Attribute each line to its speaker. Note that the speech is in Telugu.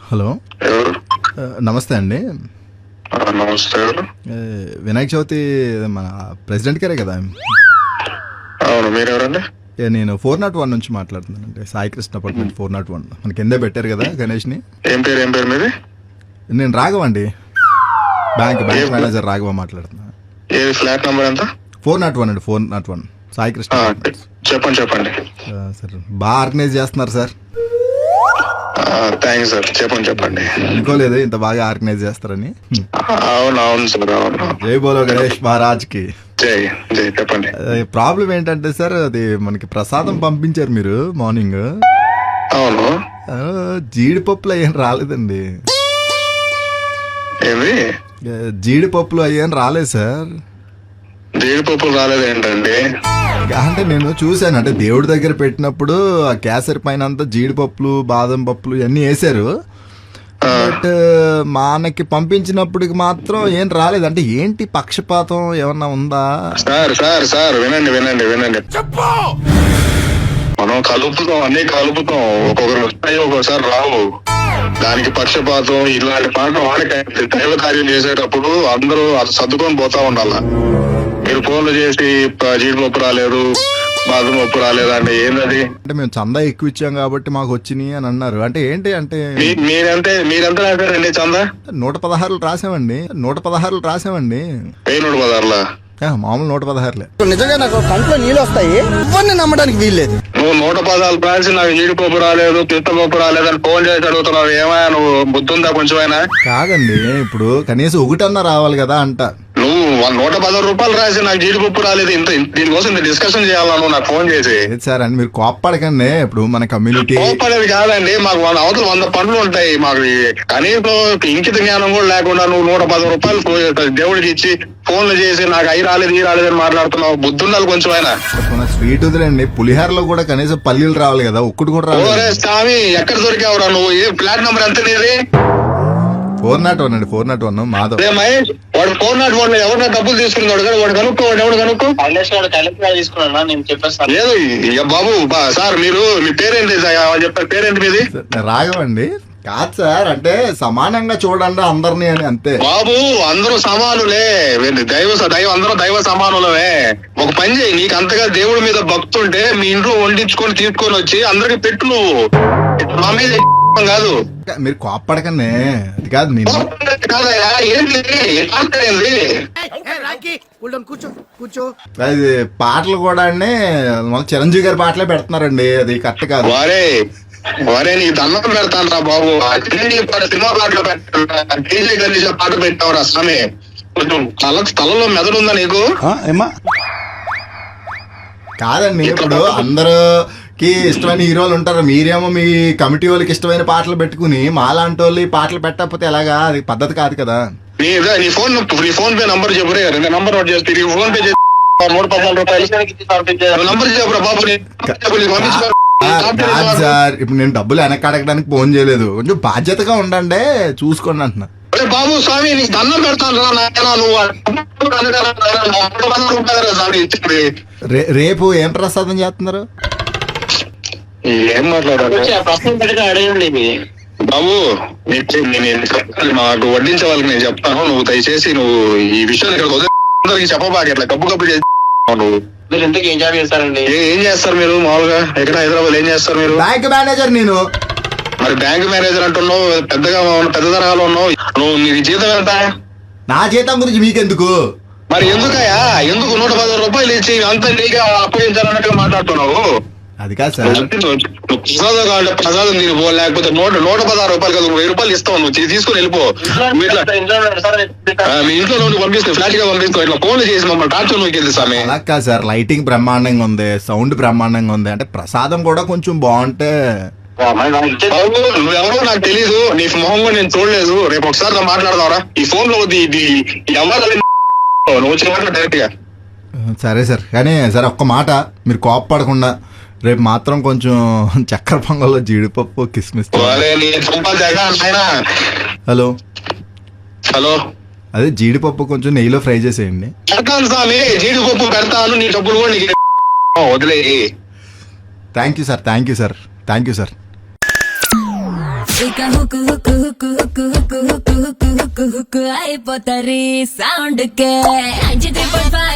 Speaker 1: హలో,
Speaker 2: ఎవరు?
Speaker 1: నమస్తే అండి.
Speaker 2: నమస్తే. ఎవరు?
Speaker 1: వినాయక చవితి మన ప్రెసిడెంట్ గారే కదా?
Speaker 2: అవును, మీరెవరండి?
Speaker 1: నేను 401 నుంచి మాట్లాడుతున్నానండి. సాయి కృష్ణ అపార్ట్మెంట్ 401 మన కిందే పెట్టారు కదా గణేష్ని.
Speaker 2: ఏం పేరు మీది?
Speaker 1: నేను రాఘవ అండి, బ్యాంక్ మేనేజర్ రాఘవ మాట్లాడుతున్నా.
Speaker 2: ఏ ఫ్లాట్ నంబర్ ఎంత?
Speaker 1: 401 అండి, 401 సాయి కృష్ణ.
Speaker 2: చెప్పండి.
Speaker 1: సార్ బాగా ఆర్గనైజ్ చేస్తున్నారు సార్.
Speaker 2: Thanks sir. చెప్పండి.
Speaker 1: అనుకోలేదు ఇంత బాగా ఆర్గనైజ్ చేస్తారని.
Speaker 2: అవును సార్, అవును.
Speaker 1: జై బోలో గణేష్ మహారాజ్ కి
Speaker 2: జై. చెప్పండి.
Speaker 1: ప్రాబ్లం ఏంటంటే సార్, అది మనకి ప్రసాదం పంపించారు మీరు మార్నింగ్.
Speaker 2: అవును.
Speaker 1: జీడిపప్పులు అయ్యేం రాలేదండి.
Speaker 2: ఏమి?
Speaker 1: జీడిపప్పులు అయ్యేం రాలేదు సార్.
Speaker 2: జీడిపప్పులు రాలేదు ఏంటండి?
Speaker 1: అంటే నేను చూశాను, అంటే దేవుడి దగ్గర పెట్టినప్పుడు ఆ కేసరి పైన అంతా జీడిపప్పులు బాదం పప్పులు ఇవన్నీ వేసారు. బట్ మనకి పంపించినప్పటికి మాత్రం ఏం రాలేదు. అంటే ఏంటి పక్షపాతం ఏమన్నా ఉందా?
Speaker 2: సార్ వినండి. మనం అన్ని కలుపుతాం. ఒక్కొక్కరు వస్తాయి, ఒక్కొక్కసారి రావు. దానికి పక్షపాతం ఇలాంటి పాటలు వాడికి దైవ కార్యం చేసేటప్పుడు అందరూ అది సర్దుకొని పోతా ఉండాల. మీరు ఫోన్లు చేసి జీడిపప్పు రాలేదు, బాదం పప్పు రాలేదు అంటే ఏంటది?
Speaker 1: అంటే మేము చందా ఎక్కువ ఇచ్చాం కాబట్టి మాకు వచ్చినాయి అని అన్నారు. అంటే ఏంటి అంటే
Speaker 2: మీరెంత రాశారండి చందా?
Speaker 1: 116 రాసామండి. 116 రాసామండి.
Speaker 2: 116?
Speaker 1: మామూలు 116.
Speaker 3: నిజంగా నాకు కంట్లో నీళ్ళు వస్తాయి, ఇవన్నీ నమ్మడానికి వీల్లేదు.
Speaker 2: నువ్వు 116 రాసి నాకు జీడిపప్పు రాలేదు, పిత్తపప్పు రాలేదు అని ఫోన్ చేసి అడుగుతున్నావు. ఏమైనా నువ్వు బుద్ధుందా కొంచెమైనా?
Speaker 1: కాదండి, ఇప్పుడు కనీసం ఒకటన్నా రావాలి కదా అంట.
Speaker 2: నువ్వు 110 రూపాయలు రాసి నాకు జీడిపప్పు రాలేదు, దీనికోసం డిస్కషన్ చేయాలా నువ్వు నాకు ఫోన్ చేసి?
Speaker 1: సార్ అని మీరు కోప్పడకండి. ఇప్పుడు మన కమ్యూనిటీ
Speaker 2: కోప్పడేది కాదండి, మాకు అవతల 100 పనులు ఉంటాయి. మాకు కనీసం ఇంకిత జ్ఞానం కూడా లేకుండా నువ్వు 110 రూపాయలు దేవుడికి ఇచ్చి ఫోన్లు చేసి నాకు అయి రాలేదు ఈ రాలేదు అని మాట్లాడుతున్నావు. బుద్ధి ఉండాలి కొంచెం అయినా.
Speaker 1: స్వీట్ వదిలేండి, పులిహారలో కూడా కనీసం పల్లీలు రావాలి కదా, ఒక్కటి కూడా రావాలి.
Speaker 2: స్వామి ఎక్కడ దొరికావురా నువ్వు? ఏ ఫ్లాట్ నెంబర్ ఎంత నీది?
Speaker 1: 401 అండి, 401 మాధవ్.
Speaker 2: మహేష్, వాడు 401 ఎవరిన డబ్బులు తీసుకున్నాడు కదా, వాడు కనుక్కో. ఎవడు లేదు. బాబు సార్, మీరు మీ పేరేంటి చెప్పారు? పేరేంటి మీది?
Speaker 1: రాఘవండి. కాదు సార్, అంటే సమానంగా చూడండి అందరినీ అని, అంతే.
Speaker 2: బాబు అందరూ సమానులే, అందరూ దైవ సమానులమే. ఒక పని చేయి, నీకు అంతగా దేవుడి మీద భక్తుంటే మీ ఇంట్లో వండించుకొని తీసుకొని వచ్చి అందరికి పెట్టు. నువ్వు మా మీద కాదు.
Speaker 1: మీరు కోప్పడకండి, అది కాదు. నేను అది పాటలు కూడా అండి చిరంజీవి గారి పాటలే పెడుతున్నారండి, అది కరెక్ట్ కాదు.
Speaker 2: వారే నీకు దండం పెడతాను రా బాబు. సినిమా పాటలు పెట్టా పాట పెట్టావురా స్వామి. కొంచెం తలలో మెదడు ఉందా నీకు?
Speaker 1: కాదండి, ఇప్పుడు అందరికి ఇష్టమైన హీరోలు ఉంటారు. మీరేమో మీ కమిటీ వాళ్ళకి ఇష్టమైన పాటలు పెట్టుకుని మాలాంటి వాళ్ళు ఈ పాటలు పెట్టకపోతే ఎలాగా? అది పద్ధతి కాదు కదా.
Speaker 2: నీ ఫోన్ పే నంబర్ చెప్పురే, నంబర్ నోట్ చేస్తే ఫోన్ పే 114 రూపాయలు నంబర్ చెప్పురా బాబు.
Speaker 1: సార్, ఇప్పుడు నేను డబ్బులు వెనక్కి అడగడానికి ఫోన్ చేయలేదు. కొంచెం బాధ్యతగా ఉండండి, చూసుకోండి అంటున్నా.
Speaker 2: బాబు స్వామి నీకు దండం పెడతాను రా.
Speaker 1: రేపు ఏం ప్రసాదం చేస్తున్నారు?
Speaker 2: ఏం మాట్లాడాలి బాబు? మాకు వడ్డించే వాళ్ళకి నేను చెప్తాను. నువ్వు దయచేసి నువ్వు ఈ విషయాన్ని ఇక్కడ చెప్పబాకి అట్లా కప్పు చేసి.
Speaker 4: మీరు ఇంతకీ ఏం జాబ్ చేస్తారండి?
Speaker 2: ఏం చేస్తారు మీరు మామూలుగా? ఎక్కడ హైదరాబాద్ ఏం చేస్తారు మీరు?
Speaker 1: Bank manager. నేను
Speaker 2: మరి బ్యాంక్ మేనేజర్ అంటున్నావు, పెద్ద తరహాలో ఉన్నావు. నువ్వు నీ జీతం ఎంత?
Speaker 1: నా జీతం గురించి మీకెందుకు?
Speaker 2: మరి ఎందుకయ్యా? ఎందుకు 110 రూపాయలు ఇచ్చి అంత నీగా అప్పగించాలన్నట్టుగా మాట్లాడుతున్నావు?
Speaker 1: అది కాదు సార్,
Speaker 2: ప్రసాదం కావాలంటే ప్రసాదం తినిపో, లేకపోతే 116 రూపాయలు కదా 1000 రూపాయలు ఇస్తావు, నువ్వు తీసుకుని వెళ్ళిపో. మీ ఇంట్లో నుండి పంపిస్తావు, ఫ్లాట్ గా పంపిస్తావు. ఇట్లా ఫోన్లు చేసి మమ్మల్ని టార్చర్ నోకెళ్తే స్వామి.
Speaker 1: అలా కాదు సార్, లైటింగ్ బ్రహ్మాండంగా ఉంది, సౌండ్ బ్రహ్మాండంగా ఉంది. అంటే ప్రసాదం కూడా కొంచెం బాగుంటే.
Speaker 2: నువ్వెవరో నాకు తెలీదు, నీ మొహం కూడా నేను చూడలేదు. రేపు ఒకసారి మాట్లాడదావరా ఈ ఫోన్ లో? నువ్వు వచ్చిన డైరెక్ట్ గా.
Speaker 1: సరే సార్, కానీ సరే ఒక్క మాట, మీరు కోప్పడకుండా రేపు మాత్రం కొంచెం చక్కెర పొంగల్లో జీడిపప్పు కిస్మిస్. హలో
Speaker 2: హలో,
Speaker 1: అదే జీడిపప్పు కొంచెం నెయ్యిలో ఫ్రై చేసేయండి.
Speaker 2: స్వామి జీడిపప్పు పెడతాను, నీ డబ్బులు కూడా నీకు వదిలే.
Speaker 1: Thank you sir.
Speaker 5: ఇక హుక్కు హుక్కు హుక్కు హుక్కు హుక్కు హుక్కు హుక్కు హుక్కు హుక్కు అయిపోతారు సౌండ్ కే 93.5